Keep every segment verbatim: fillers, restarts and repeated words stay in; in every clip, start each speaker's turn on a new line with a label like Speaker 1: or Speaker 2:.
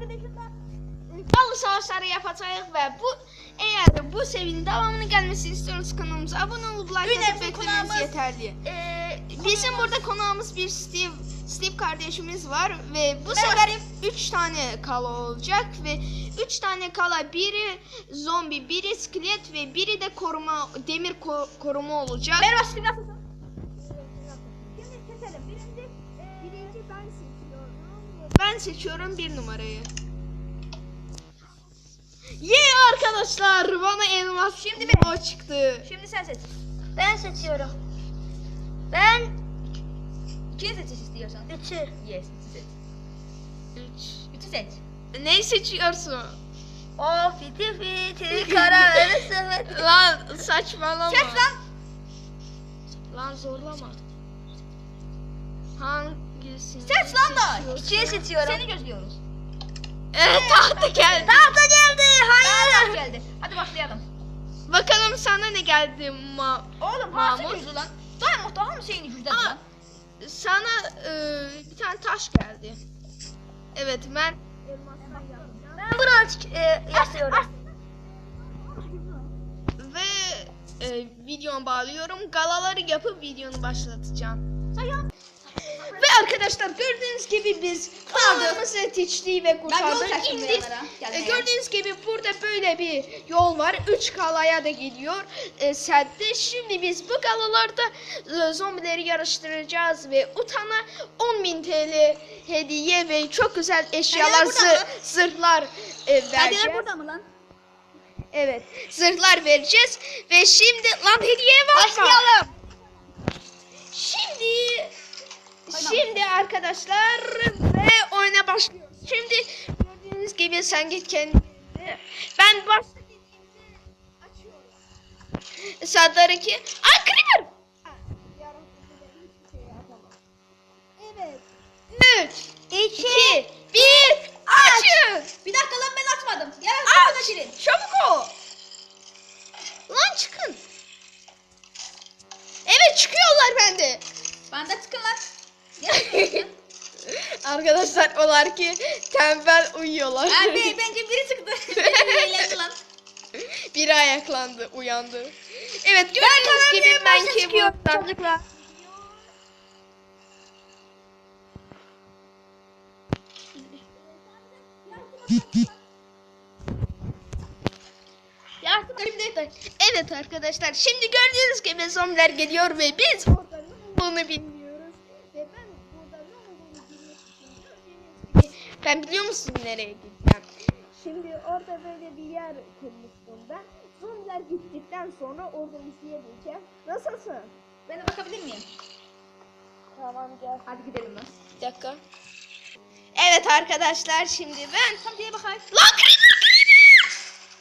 Speaker 1: Halı savaşları yapacağız ve bu eğer bu serinin devamını gelmesini istiyorsanız kanalımıza abone olup like atıp beklemeniz yeterli.
Speaker 2: Ee,
Speaker 1: Bizim burada konağımız bir Steve Steve kardeşimiz var ve bu sefer üç tane kala olacak ve üç tane kala, biri zombi, biri iskelet ve biri de koruma demir ko- koruma olacak.
Speaker 2: Merhaba Steve, nasılsın?
Speaker 3: Şimdi keselim. Birinci, e, birinci ben seçiyorum.
Speaker 1: Ben seçiyorum bir numarayı. Yeah arkadaşlar, bana elmas şimdi bir o çıktı.
Speaker 2: Şimdi sen seç.
Speaker 3: Ben seçiyorum. Ben
Speaker 2: İkiyi seç istiyorsan.
Speaker 3: üçü.
Speaker 2: Yes, üçü seç.
Speaker 1: Üç.
Speaker 2: Üçü seç.
Speaker 1: Ne seçiyorsun?
Speaker 3: O fiti fiti kara verirsin.
Speaker 1: Lan saçmalama.
Speaker 2: Seç lan.
Speaker 1: Lan zorlama. Hangisini?
Speaker 2: Seç lan da.
Speaker 1: seçiyorsun?
Speaker 3: İkiyi seçiyorum.
Speaker 2: Seni gözlüyoruz.
Speaker 1: Evet, tahta geldi.
Speaker 3: Tahta geldi.
Speaker 2: Hayır.
Speaker 3: Hayır.
Speaker 2: Geldi. Hadi başlayalım.
Speaker 1: Bakalım sana ne geldi ma
Speaker 2: Oğlum
Speaker 1: Mahmut.
Speaker 2: Mahmut güçlü lan. Daha muhtemelen şeyini güçlü
Speaker 1: Aa,
Speaker 2: lan.
Speaker 1: sana e, bir tane taş geldi. Evet ben
Speaker 3: Ben bunu aç, e, yazıyorum.
Speaker 1: ve e, videomu bağlıyorum. Galaları yapıp videonu başlatacağım. Ve arkadaşlar gördüğünüz gibi biz kanalımızı teçliği ve
Speaker 2: Ben yol
Speaker 1: kurtardık.
Speaker 2: taşıdım
Speaker 1: İndik.
Speaker 2: buralara,
Speaker 1: E,
Speaker 2: gelmeye.
Speaker 1: gördüğünüz gibi burada böyle bir yol var. Üç kalaya da gidiyor. E, sette. Şimdi biz bu kalalarda e, zombileri yarıştıracağız ve utana on bin T L hediye ve çok güzel eşyalar,
Speaker 2: burada
Speaker 1: zı-
Speaker 2: mı?
Speaker 1: zırhlar e, vereceğiz.
Speaker 2: Hediyeler burada mı lan?
Speaker 1: Evet, zırhlar vereceğiz ve şimdi lan hediye var.
Speaker 3: Başlayalım.
Speaker 1: Şimdi şimdi arkadaşlar ve oyuna başlıyoruz. Şimdi gördüğünüz gibi sen git kendine. Ben başta dediğimde açıyorum. Sadları ki ay creeper.
Speaker 3: Evet.
Speaker 1: üç, iki, bir, açın.
Speaker 2: Bir dakika lan, ben açmadım. Gel
Speaker 1: Aç.
Speaker 2: aç. Açın.
Speaker 1: Çabuk ol. Lan çıkın. Evet çıkıyorlar bende.
Speaker 2: Ben de çıkın lan. Gel.
Speaker 1: Arkadaşlar olar ki tembel uyuyorlar.
Speaker 2: Abi bence biri çıktı. Biri eğlendi lan.
Speaker 1: Biri ayaklandı, uyandı. Evet gördüğünüz gibi ben keyboard'dan
Speaker 3: Çocuklar.
Speaker 1: yardım şimdi. Evet arkadaşlar şimdi gördüğünüz gibi zombiler geliyor ve biz orada ne olduğunu bilmiyoruz. Ve ben burada ne olduğunu bilmek için gördüğünüz gibi ben biliyor musun nereye gideceğim? Şimdi orada böyle bir yer kurmuştum ben. Zombiler gittikten sonra orada izleyebileceğim. Nasılsın?
Speaker 2: Ben de bakabilir miyim?
Speaker 1: Tamam gel.
Speaker 2: Hadi gidelim lan.
Speaker 1: Bir dakika. Evet arkadaşlar şimdi ben...
Speaker 2: Tam diye bakayım.
Speaker 1: Lan creeper creeper!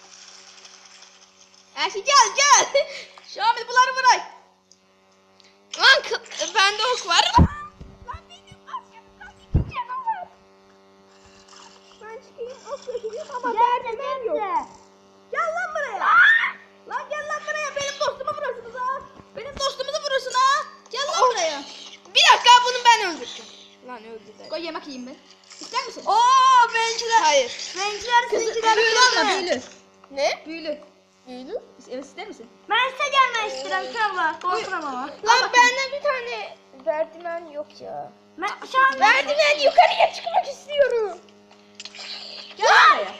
Speaker 2: Erşi gel gel. Şamil bunları bırak.
Speaker 1: Lan kı- bende ok var. Lan benim aşkım kaç canavar. Ben çıkayım ok çekeyim ama derdim yok.
Speaker 2: Gel lan buraya. Lan gel lan buraya. Benim dostumu vurursunuz ha. Benim dostumuzu vurursun ha. Gel lan
Speaker 1: Oh.
Speaker 2: buraya.
Speaker 1: Bir dakika bunu ben öldürdüm. Lan öldü.
Speaker 2: Koy yemek yiyeyim ben. İster misin?
Speaker 3: Oo benciler.
Speaker 1: Hayır.
Speaker 3: Benciler
Speaker 2: Kızı,
Speaker 3: sizinkiler
Speaker 2: büyülü olma, büyülü.
Speaker 1: Ne?
Speaker 2: Büyülü.
Speaker 1: Büyülü?
Speaker 2: Evet, ister misin?
Speaker 3: Ben size gelmek istiyorum Kavla. Korkmam ama.
Speaker 1: Lan bende bir tane merdiven yok ya.
Speaker 3: Ben şu an
Speaker 1: Merdiven yukarıya çıkmak istiyorum.
Speaker 2: Gel lan buraya.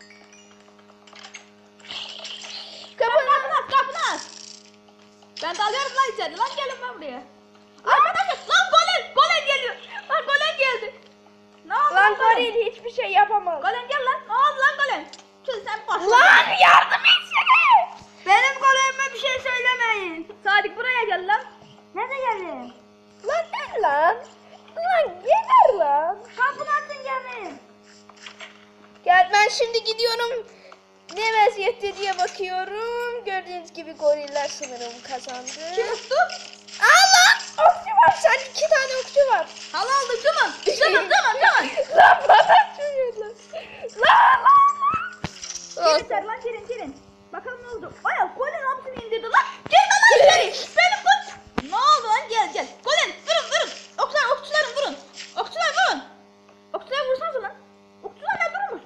Speaker 1: Kapını.
Speaker 2: Kapını aç, kapını aç. Ben de alıyorum lan içeri. Lan gelin lan buraya. Arkadaşlar lan golem, golem geliyor. Lan golem geldi. Ne oldu
Speaker 1: Lan
Speaker 2: golem?
Speaker 1: goril hiçbir şey yapamaz.
Speaker 2: Golem gel lan. Ne oldu lan golem? Kız sen başla.
Speaker 1: Lan yardım etsene.
Speaker 3: benim golemime bir şey söylemeyin.
Speaker 2: Sadık buraya gel lan.
Speaker 3: Nerede gelin?
Speaker 1: Lan gel lan. Lan geber lan.
Speaker 3: Kapını açın gelin.
Speaker 1: Gel ben şimdi gidiyorum. Ne vaziyette diye bakıyorum. Gördüğünüz gibi goriller sanırım kazandı.
Speaker 2: Kim tuttu?
Speaker 1: Aa lan okçu var. Sen iki tane okçu var.
Speaker 2: Hal aldık tamam. Tamam tamam tamam.
Speaker 1: Lan bana çürüyorlar. Lan lan lan.
Speaker 2: Girin ser lan girin girin. Bakalım ne oldu. Aya golem hapsini indirdi lan. Gel lan içeri. Benim kız. Ne oldu lan gel gel. Golem vurun vurun. Okçular okçuların vurun. Okçular vurun. Okçular vursanız lan. Okçular ne durun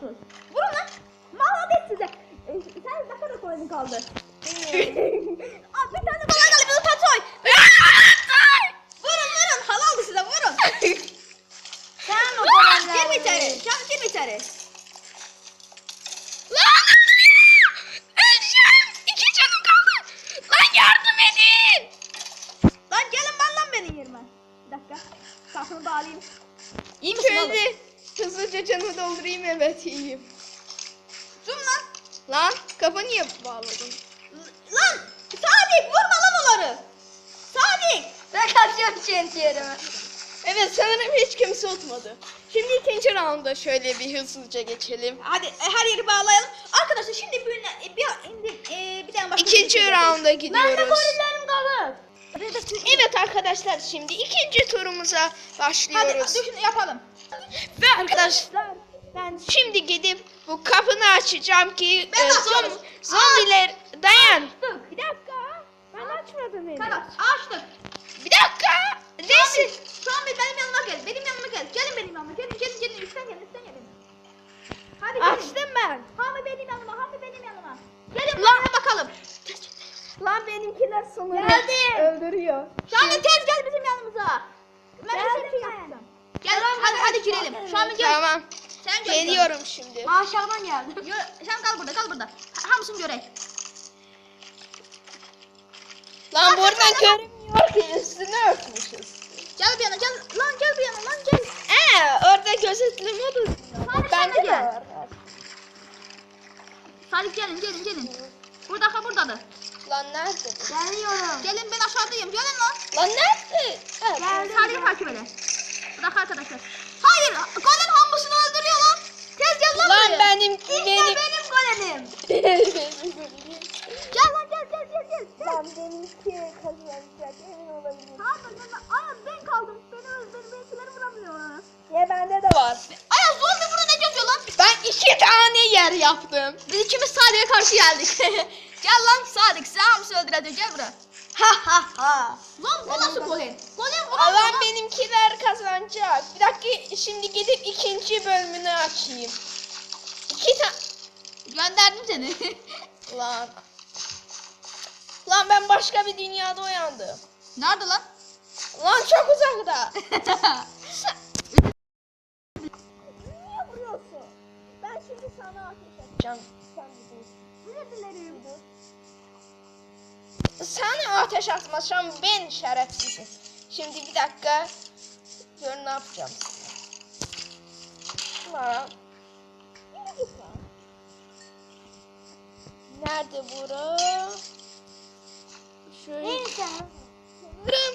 Speaker 2: kaldı? Aa, bir tane bana geldi. Bir tatoy. Vurun vurun. Halaldı size vurun.
Speaker 3: Sen o
Speaker 2: Aa,
Speaker 3: zaman
Speaker 2: Girme içeri. Can girme içeri.
Speaker 1: Lan! Öleceğim! İki canım kaldı! Lan yardım edin!
Speaker 2: Lan gelin ben lan benim yerime. Bir dakika. Kafamı bağlayayım. İyi misin oğlum?
Speaker 1: Şöyle hızlıca canımı doldurayım, evet iyiyim.
Speaker 2: Zoom lan.
Speaker 1: Lan kafa niye bağladın?
Speaker 2: Lan Sadık vurma lan onları. Sadık.
Speaker 3: Ben kaçıyorum kendi yerime.
Speaker 1: Evet sanırım hiç kimse tutmadı. Şimdi ikinci rounda şöyle bir hızlıca geçelim.
Speaker 2: Hadi e, her yeri bağlayalım. Arkadaşlar şimdi bir e, bir bir, e, bir tane başka
Speaker 1: İkinci
Speaker 2: bir şey
Speaker 1: rounda
Speaker 3: Ben de
Speaker 1: gidiyoruz.
Speaker 3: gorillerim kalır.
Speaker 1: Evet arkadaşlar şimdi ikinci turumuza
Speaker 2: Hadi
Speaker 1: başlıyoruz.
Speaker 2: düşün yapalım.
Speaker 1: Ve arkadaşlar ben şimdi gidip bu kapını açacağım ki
Speaker 2: Ben
Speaker 1: e,
Speaker 2: açıyorum.
Speaker 1: zom, zombiler dayan.
Speaker 2: Bir dakika.
Speaker 1: Ben açmadım henüz.
Speaker 2: Tamam açtık.
Speaker 1: Bir dakika. Neyse.
Speaker 2: Şu an bir benim yanıma gel. Benim yanıma gel. Gelin benim yanıma. Gelin gelin gelin. Üstten gelin üstten gelin. Hadi gelin.
Speaker 1: Açtım ben.
Speaker 2: Hami benim yanıma. Hami benim yanıma. Gelin
Speaker 1: Lan.
Speaker 2: buraya bakalım.
Speaker 1: Lan benimkiler sanırım
Speaker 2: Geldim.
Speaker 1: öldürüyor.
Speaker 2: Şamil tez gel bizim yanımıza. Ben
Speaker 3: Geldim
Speaker 2: bir şey
Speaker 3: ben.
Speaker 2: yapacağım. Gel hadi hadi girelim. Şamil gel.
Speaker 1: Tamam.
Speaker 2: Sen gel.
Speaker 1: Geliyorum şimdi.
Speaker 3: Aşağıdan geldim.
Speaker 2: Yo, sen kal burada kal burada. Ha- Hamsın görek.
Speaker 1: Lan buradan görünmüyor ki üstüne örtmüşüz.
Speaker 2: Gel bir yana gel. Lan gel bir yana lan gel.
Speaker 1: Ee, orada gözetleme odası.
Speaker 2: Hadi sen
Speaker 1: Bende
Speaker 2: de
Speaker 1: de
Speaker 2: gel.
Speaker 1: var.
Speaker 2: Salih gelin gelin gelin. Burada ha buradadır.
Speaker 1: Lan nerede bu?
Speaker 3: Geliyorum.
Speaker 2: Gelin ben aşağıdayım. Gelin lan.
Speaker 1: Lan nerede? Ha,
Speaker 3: Geldim.
Speaker 2: Salih'i takip edin. Bırak arkadaşlar. Hayır. Golem hambusunu öldürüyor lan. Tez gel lan,
Speaker 1: Lan
Speaker 2: buraya.
Speaker 1: benim
Speaker 2: İşte
Speaker 1: benim
Speaker 2: benim golemim.
Speaker 1: benim
Speaker 2: Gel lan gel gel gel gel.
Speaker 1: Lan benimki kazanacak emin olabilirim.
Speaker 2: Pardon ben, ay ben kaldım. Beni öldür, beni benimkileri vuramıyor.
Speaker 1: Ya bende de var.
Speaker 2: Ay zombi burada ne geziyor lan?
Speaker 1: Ben iki tane yer yaptım.
Speaker 2: Biz ikimiz Sadık'a karşı geldik. Gel lan Sadık, sen hamsi öldüreceğim. Gel buraya.
Speaker 1: Ha ha ha.
Speaker 2: Lan bu nasıl golem? Golem vuramıyor
Speaker 1: Lan
Speaker 2: lan.
Speaker 1: benimkiler kazanacak. Bir dakika şimdi gidip ikinci bölümünü açayım. İki tane.
Speaker 2: Gönderdim seni.
Speaker 1: Lan. Lan ben başka bir dünyada uyandım.
Speaker 2: Nerede lan?
Speaker 1: Lan çok uzakta. Niye vuruyorsun? Ben şimdi sana ateş edeceğim. Sen bir dur.
Speaker 2: Özür dilerim.
Speaker 1: Sana ateş atmasam ben şerefsizim. Şimdi bir dakika. Gör ne yapacağım sana. Lan. Yürü git lan. Nerede bura? Şöyle.
Speaker 3: Neyse.
Speaker 1: Sanırım.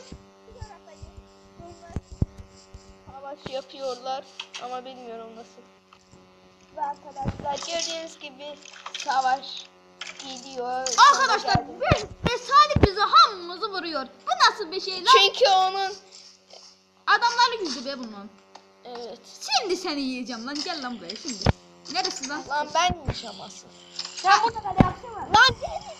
Speaker 1: Savaş yapıyorlar ama bilmiyorum nasıl. Ve arkadaşlar gördüğünüz gibi savaş gidiyor.
Speaker 2: Arkadaşlar ve, ve Sadık bizi hamımızı vuruyor. Bu nasıl bir şey lan?
Speaker 1: Çünkü onun
Speaker 2: Adamları yüzü be bunun.
Speaker 1: evet.
Speaker 2: Şimdi seni yiyeceğim lan. Gel lan buraya şimdi. Neresi lan?
Speaker 1: Lan ben yiyeceğim asıl.
Speaker 3: Sen burada kale yapsana.
Speaker 1: Lan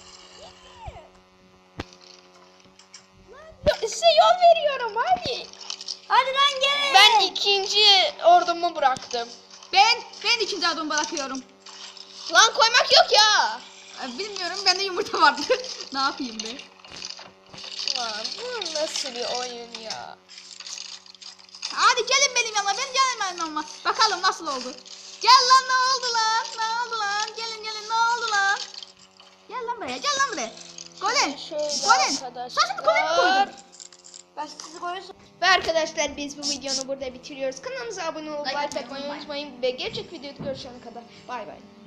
Speaker 1: Lan size yol veriyorum hadi.
Speaker 3: Hadi lan gelin.
Speaker 1: Ben ikinci ordumu bıraktım.
Speaker 2: Ben ben ikinci adımı bırakıyorum.
Speaker 1: Lan koymak yok ya.
Speaker 2: Ee, Bilmiyorum bende yumurta vardı. Ne yapayım be?
Speaker 1: Lan bu nasıl bir oyun ya.
Speaker 2: Hadi gelin benim yanıma. Ben gelin benim yanıma. Bakalım nasıl oldu. Gel lan ne oldu lan? Ne oldu lan? Gelin gelin ne oldu lan? Gel lan buraya. Gel lan buraya. Golem.
Speaker 1: Şöyle
Speaker 2: Golem.
Speaker 1: arkadaşlar.
Speaker 2: Sen şimdi golem mi koydun?
Speaker 3: Ben sizi koyuyorsun.
Speaker 1: Ve arkadaşlar biz bu videonu burada bitiriyoruz. Kanalımıza abone olup
Speaker 2: Like
Speaker 1: like
Speaker 2: atmayı
Speaker 1: atmayı
Speaker 2: unutmayın.
Speaker 1: unutmayın. Ve gerçek videoda görüşene kadar bay bay.